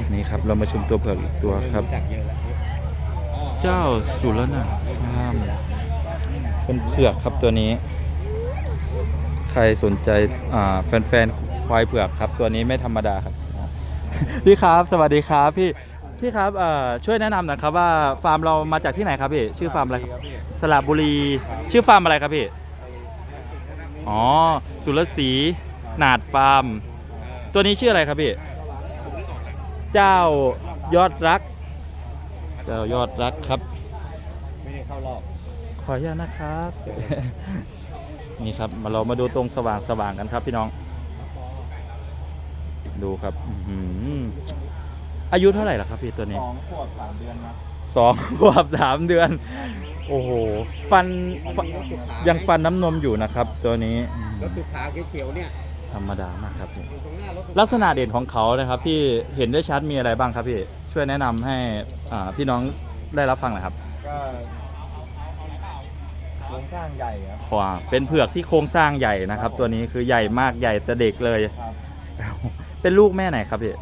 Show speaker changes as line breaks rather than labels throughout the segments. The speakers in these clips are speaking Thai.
นี่ครับเรามาชมตัวเผือกอีกตัวครับ เจ้าสุรนาถเป็นเผือกครับตัวนี้ ใครสนใจแฟนๆควายเผือกครับตัวนี้ไม่ธรรมดาครับ พี่ครับสวัสดีครับพี่ครับช่วยแนะนำหนะครับว่าฟาร์มเรามาจากที่ไหนครับพี่ชื่อฟาร์มอะไรครับสระบุรีชื่อฟาร์มอะไรครับพี่อ๋อสุรศรีนาดฟาร์มตัวนี้ชื่ออะไรครับพี่เจ้ายอดรักเจ้ายอดรักครับ
ไม่ได้เข้ารอบ
ขออนุญาตนะครับ นี่ครับเรามาดูตรงสว่างกันครับพี่น้องดูครับอายุเท่าไหร่ล่ะครับพี่ตัวนี้
2 ขวบ 3 เดือนนะ
2 ขวบ 3 เดือนโอ้โหฟันยังฟันน้ำนมอยู่นะครับตัวนี้
รถสุขาเขียวๆเนี่ย
ธรรมดามากครับพี่ลักษณะเด่นของเขานะครับที่เห็นได้ชัดมีอะไรบ้างครับพี่ช่วยแนะนำให้พี่น้องได้รับฟังหน่อยครับ
ก็โครงสร้างใหญ่ครับ
ขวาเป็นเผือกที่โครงสร้างใหญ่นะครับตัวนี้คือใหญ่มากใหญ่แต่เด็กเลยเป็นลูกแม่ไหนครับพี่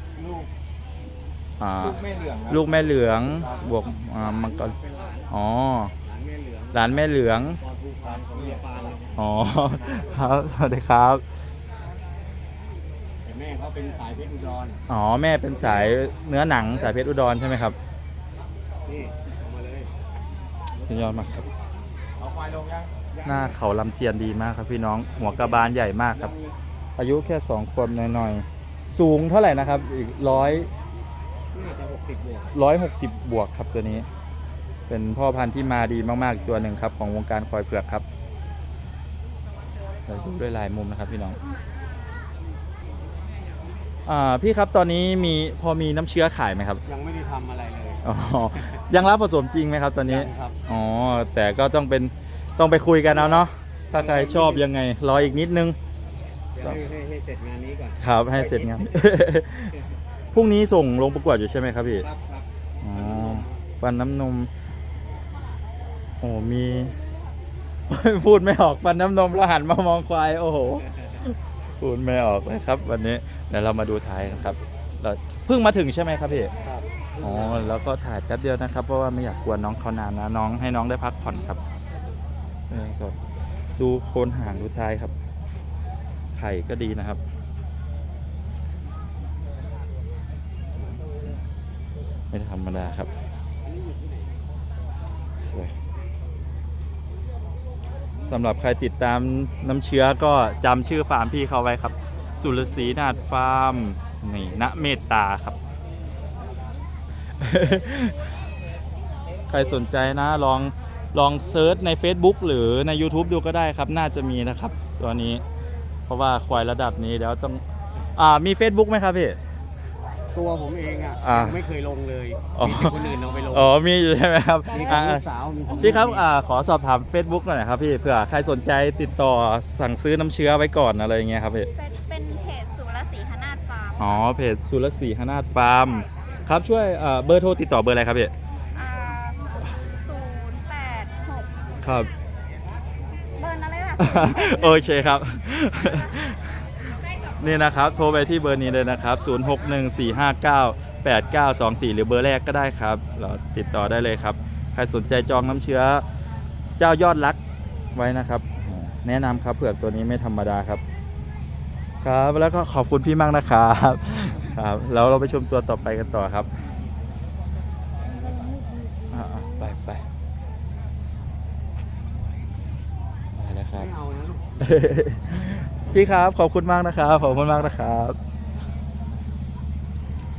ลูกแม่เหลือง
ลูกแม่เหลืองบวกมังกรอ๋อหลานแม่เหลืองอ๋อครับสวัสดีครับ
แม่เขาเป็นสายเพชรอุดร
อ๋อแม่เป็นสายเนื้อหนังสายเพชรอุดรใช่ไหมครับ
นี่เอามาเลย
ยอดมากครับ
เอาควายลงยัง
หน้าเขาลำเทียนดีมากครับพี่น้องหัวกระบาลใหญ่มากครับอายุแค่2 ขวบหน่อยๆสูงเท่าไหร่นะครับอีก160 บวกครับตัวนี้เป็นพ่อพันธุ์ที่มาดีมากๆตัวหนึ่งครับของวงการควายเผือกครับเราดูด้วยลายมุมนะครับพี่น้องพี่ครับตอนนี้พอมีน้ำเชื้อขายไหมครับ
ยังไม่ได้ทำอะไรเลย
อ๋อยังรับผสมจริงไหมครับตอนนี้
ครับ
อ๋อแต่ก็ต้องไปคุยกันเอาเนาะถ้าใครชอบยังไงรออีกนิดนึง
ให้เสร็จงานนี้ก่อน
ครับให้เสร็จงาน พรุ่งนี้ส่งลงประกวดอยู่ใช่ไหมครับพี่
ครับ
อ๋อฟันน้ำนมโอ้มี พูดไม่ออกฟันน้ำนมแล้วหันมามองควายโอ้โหพูดไม่ออกเลยครับวันนี้เดี๋ยวเรามาดูท้ายกันครับเราเพิ่งมาถึงใช่ไหมครับพี่
ครับ
อ๋อแล้วก็ถ่ายแป๊บเดียวนะครับเพราะว่าไม่อยากกวนน้องเขานานนะน้องให้น้องได้พักผ่อนครับก็ดูโคนหางดูท้ายครับไข่ก็ดีนะครับไม่ธรรมดาครับสำหรับใครติดตามน้ำเชื้อก็จำชื่อฟาร์มพี่เขาไว้ครับสุรศรีนาถฟาร์มนี่ณเมตตาครับ ใครสนใจนะลองเซิร์ชใน Facebook หรือใน YouTube ดูก็ได้ครับน่าจะมีนะครับตัวนี้เพราะว่าควายระดับนี้แล้วต้องมี Facebook ไหมครับพี่
ตัวผมเองไม่เคยลงเลยมีคนอื่นลงไปลง
มีอยู่ใช่ไหมครับ
มีสาว
พี่ครับขอสอบถาม Facebook หน่อยครับพี่เผื่อใครสนใจติดต่อสั่งซื้อน้ำเชื้อไว้ก่อนอะไรอย่างเงี้ยครับพี่
เป็นเพจสุรศรีหนาฏฟาร์ม
อ๋อเพจสุรศรีหนาฏฟาร์มครับช่วยเบอร์โทรติดต่อเบอร์อะไรครับพี่
086
ครับ
เบอร์อะไรล่ะ
โอเคครับนี่นะครับโทรไปที่เบอร์นี้เลยนะครับ0614598924หรือเบอร์แรกก็ได้ครับเราติดต่อได้เลยครับใครสนใจจองน้ำเชื้อเจ้ายอดรักไว้นะครับแนะนำครับเผือกตัวนี้ไม่ธรรมดาครับครับแล้วก็ขอบคุณพี่มากนะครับครับแล้วเราไปชมตัวต่อไปกันต่อครับไปแล้วครับพี่ครับขอบคุณมากนะครับขอบคุณมากนะครับ